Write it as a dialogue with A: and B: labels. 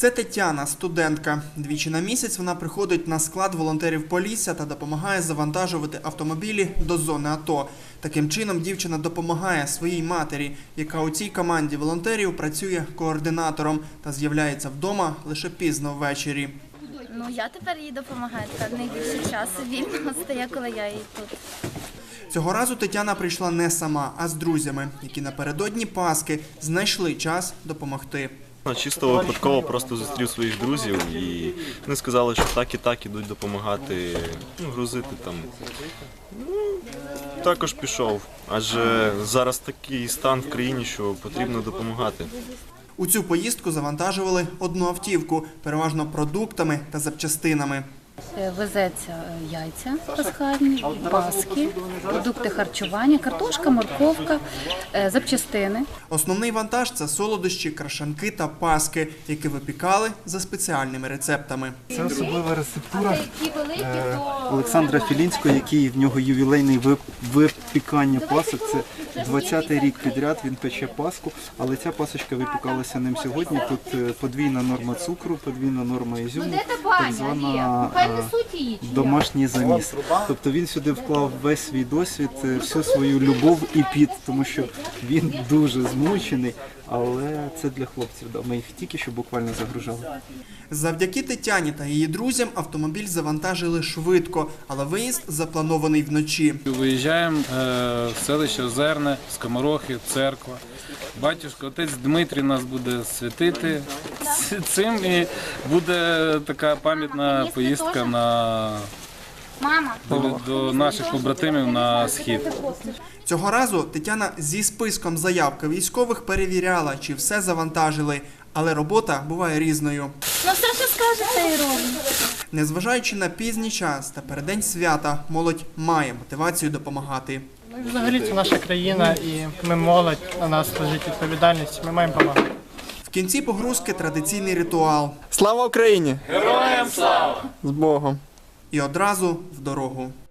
A: Це Тетяна, студентка. Двічі на місяць вона приходить на склад волонтерів Полісся та допомагає завантажувати автомобілі до зони АТО. Таким чином дівчина допомагає своїй матері, яка у цій команді волонтерів працює координатором та з'являється вдома лише пізно ввечері.
B: Я тепер їй допомагаю, тепер найбільше часу вільно стає, коли я їй тут.
A: Цього разу Тетяна прийшла не сама, а з друзями, які напередодні Пасхи знайшли час допомогти.
C: Чисто випадково просто зустрів своїх друзів і вони сказали, що так і так ідуть допомагати, грузити там. Також пішов, адже зараз такий стан в країні, що потрібно допомагати.
A: У цю поїздку завантажували одну автівку, переважно продуктами та запчастинами.
D: Везеться яйця пасхальні, паски, продукти харчування, картошка, морковка, запчастини.
A: Основний вантаж – це солодощі, крашанки та паски, які випікали за спеціальними рецептами.
E: Це особлива рецептура Олександра Філінського, який в нього ювілейний випікання пасок. Це 20-й рік підряд він пече паску, але ця пасочка випікалася ним сьогодні. Тут подвійна норма цукру, подвійна норма ізюму, так звана домашній заміс. Тобто він сюди вклав весь свій досвід, всю свою любов і піт, тому що він дуже змучений, але це для хлопців. Ми їх тільки що буквально загружали.
A: Завдяки Тетяні та її друзям автомобіль завантажили швидко, але виїзд запланований вночі.
F: Виїжджаємо в селище Озерне, Скоморохи, церква. Батюшка, отець Дмитрій нас буде святити цим і буде така пам'ятна поїздка до наших побратимів на схід.
A: Цього разу Тетяна зі списком заявки військових перевіряла, чи все завантажили, але робота буває різною.
B: Все, що скажете, і роблю.
A: Незважаючи на пізній час та переддень свята, молодь має мотивацію допомагати.
G: Взагалі це наша країна і ми молодь, на нас лежить відповідальність, ми маємо допомагати.
A: В кінці погрузки традиційний ритуал.
H: Слава Україні!
A: Героям слава!
H: З Богом!
A: І одразу в дорогу.